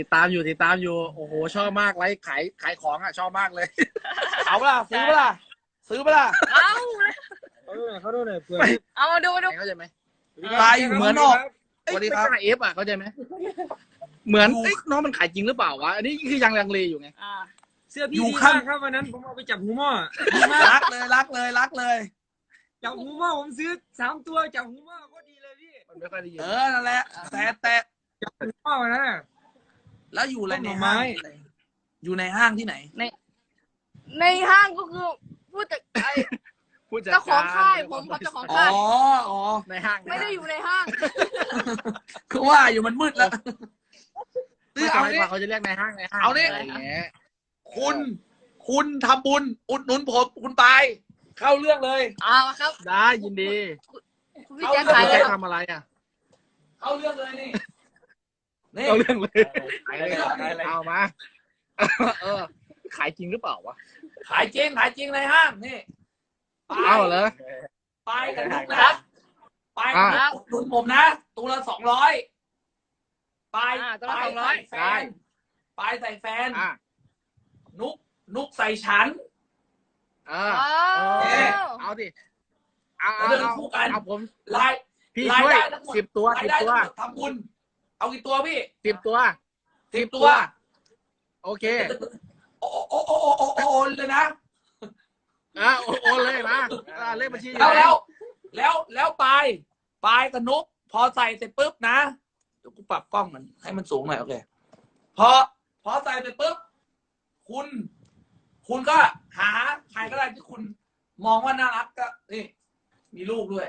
ติดตามอยู่โอ้โหชอบมากไลฟ์ขายของอ่ะชอบมากเลยเอาเปล่าซื้อเปล่าซื้อเปล่าเขาดูหน่อยเผื่อเอามาดูเข้าใจไหมตายอยู่เหมือนออกสวัสดีครับเอฟอ่ะเข้าใจไหมเหมือนน้องมันขายจริงหรือเปล่าวะอันนี้คือยังลังเลอยู่ไงเสื้อพี่ดีมากครับวันนั้นผมเอาไปจับหูหม้อดีมากรักเลยจับหูหม้อผมซื้อ3 ตัวจับหูหม้อก็ดีเลยพี่มันไม่ค่อยได้ยินนั่นแหละแต่จับหูหม้อนะแล้วอยู่อะไรในต้นไม้ห้างอยู่ในห้างที่ไหนในห้างก็คือผู้จัดเจ้าของค่ายผมครับเจ้าของอ๋อค่ายอ๋อในห้างไม่ได้อยู่ในห้างคือว่าอยู่มันมืดแล้วไม่เอาเอานี่เขาจะเรียกในห้างเอานี่อะไรอย่างเงี้ยคุณทำบุญอุดหนุนผมคุณปายเข้าเรื่องเลยมาครับได้ยินดีคุณพี่แจ๊คใครขายเลจะยครับทำอะไรอ่ะเข้าเรื่องเลยนี่นี่เอาเรื่องเลยขายเลยเอามาเออขายจริงหรือเปล่าวะขายจริงในห้างนี่ปายเอาเหรอปายกับนุกนะปายกับนุกอุดหนุนผมนะตัวละ200ปายตัวละปาย 200 ใส่แฟนปายใส่แฟนอ่ะนุกใส่ฉันเออ เอาดิเอาเรื่องคู่กันเอาผมรายพี่ช่วยรายได้ทั้งหมด 10 ตัวรายได้ทั้งหมดทำบุญเอากี่ตัวพี่ 10 ตัว 10 ตัวโอเคโอ้เลยนะโอนเลยมาเลขบัญชีอยู่แล้วปายกับนุกพอใส่เสร็จปุ๊บนะเดี๋ยวกูปรับกล้องมันให้มันสูงหน่อยโอเคพอใส่เสร็จปุ๊บคุณก็หาใครก็ได้ที่คุณมองว่าน่ารักก็นี่มีลูกด้วย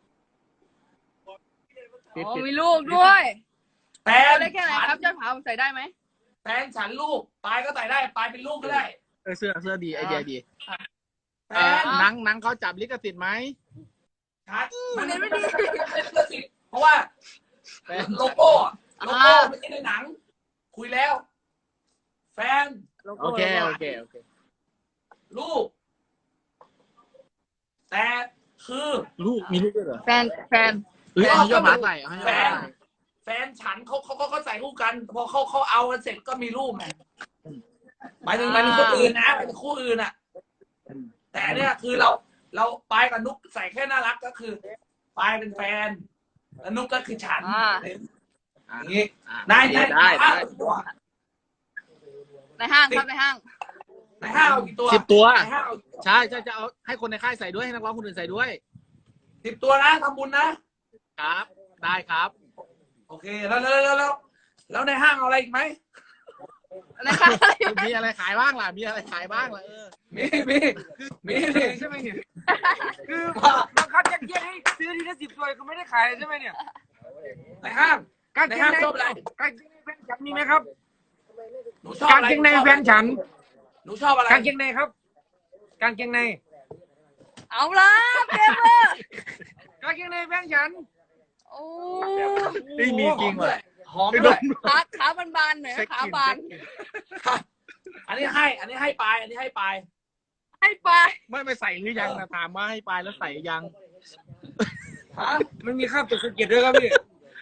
มีลูกด้วยแฟนได้แค่ไหนครับยอดผาผมใส่ได้ไหมแฟนฉันลูกปายก็ใส่ได้ปายเป็นลูกก็ได้เสื้อดีไอเดียดีแฟนหนังเขาจับลิขสิทธิ์ไหมชัดมันไม่ดีเพราะว่าโลโก้ไม่ใช่ในหนัง คุยแล้ว แฟนโอเคลูก แต่คือลูกมีลูกด้วยเหรอแฟนเอาให้ยอดหมาใส่เอาให้ยอดหมาใส่แฟนฉันเขาใส่คู่กัน พอเขาเอากันเสร็จก็มีรูปไงหมายถึงคนอื่นนะเป็นคู่อื่นอ่ะ แต่เนี่ยคือเราปายกับนุกใส่แค่น่ารักก็คือปายเป็นแฟนแล้วนุกก็คือฉันอย่างนี้นายได้ในห้างครับในห้างในห้างเอากี่ตัว 10 ตัวในห้างเอาใช่จะเอาให้คนในค่ายใส่ด้วยให้นักร้องคนอื่นใส่ด้วย 10 ตัวนะทำบุญนะครับได้ครับโอเคแล้วในห้างเอาอะไรอีกไหมในห้างมีอะไรขายบ้างล่ะมีอะไรขายบ้างล่ะมีใช่ไหมเนี่ยคือบังคับยัดเยียดให้ซื้อทีละ10 ตัวคือไม่ได้ขายใช่ไหมเนี่ยในห้างกางในเกงห้างในชอบอะไรกางเกงในแฟนฉันมีไหมครับหนูชอบกางอะไรเกงในแฟนฉันหนูชอบอะไรกางเกงในครับกางเกงในเอาละเต็มเลยกางเกงในแฟนฉันโอ้มีจริงว่ะหอมด้วยขาบานๆหน่อยขาบานอันนี้ให้ปลายอันนี้ให้ปลายให้ไปไม่ใส่หรือยังนะถามว่าให้ไปแล้วใส่ยังมันมีคราบตกสะเก็ดด้วยครับพี่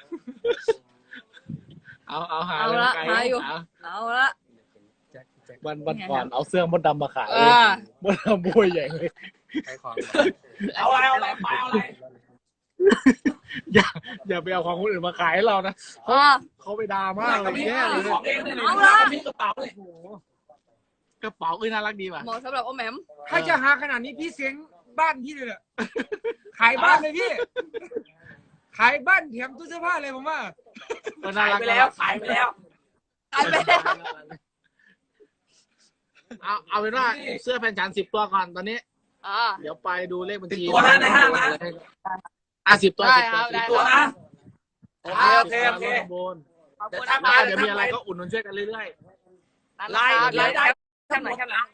เอาหาเอาเลยละไกลหาอยู่เอาเอาละวันก่อนเอาเสื้อมดดำมาขายอ่ามดดำบวยใหญ่เลยเอาอะไรปลายเอาอะไรอย่าไปเอาของคนอื่นมาขายให้เรานะ เขาไปด่ามากเลยแย่เลยของเองเนี่ยมีกระเป๋าเลยกระเป๋าน่ารักดีว่ะเหมาะสำหรับโอแหมมถ้าจะหาขนาดนี้พี่เสียงบ้านพี่เลยอะขายบ้านเลยพี่ ขายบ้านแถมตู้เสื้อผ้าเลยผมว่าน่าขายรักไปแล้วขายไปแล้วขายไปแล้วเอาเป็นว่าเสื้อแฟนฉัน10 ตัวก่อนตอนนี้ เดี๋ยวไปดูเลขบัญชี 10 ตัวนะในห้างนะ 10 ตัวได้ 10 คตัวรับได้ตัวนะโอเคโอเคเดี๋ยวเดี๋ยวถ้าทำมาเดี๋ยวมีอะไรก็อุดหนุนช่วยกันเรื่อยรายได้แค่ไหน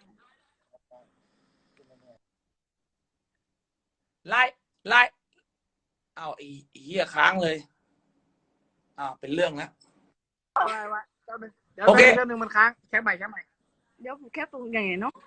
รายเอาไอ้เหี้ยค้างเลยเป็นเรื่องแล้วๆเดี๋ยวโอเคเรื่องนึงมันค้างแค่ใหม่เดี๋ยวผมแค่ตรงอย่างไงเนาะ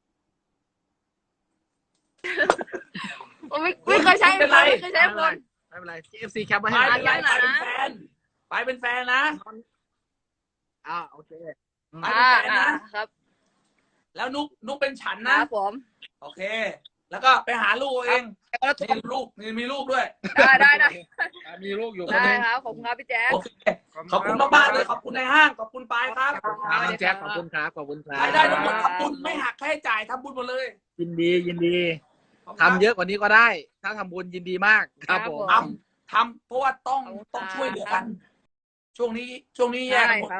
ไม่เคยใช้คนไม่ไม่เป็นไร FC แคปไว้ไปให้เป็นแฟนไปเป็นแฟนนะโอเคไปเป็นแฟนนะครับแล้วนุกเป็นฉันคนะรับผมโอเค แล้วก็ไปหาลูกเองนี่ลูกนี่มีลูกด้วยได้มีลูกอยู่ได้ครับขอบคุณครับพี่แจ๊คโอเคขอบคุณมากๆเลยขอบคุณในห้างขอบคุณปายครับครับน้องแจ็คขอบคุณครับขอบคุณครับรายได้ทั้งหมดทำบุญไม่หักค่าใช้จ่ายทำบุญหมดเลยยินดีทำเยอะกว่านี้ก็ได้ ถ้าทำบุญยินดีมากครับผมทำเพราะว่าต้องช่วยเหลือกัน ช่วงนี้แย่ได้กันหมดครับ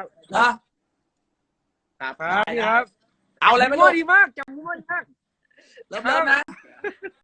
นะครับพี่ครับเอาอะไรไม่มั่รู้วดีมากจำมั่วดีมากเริ่มนะ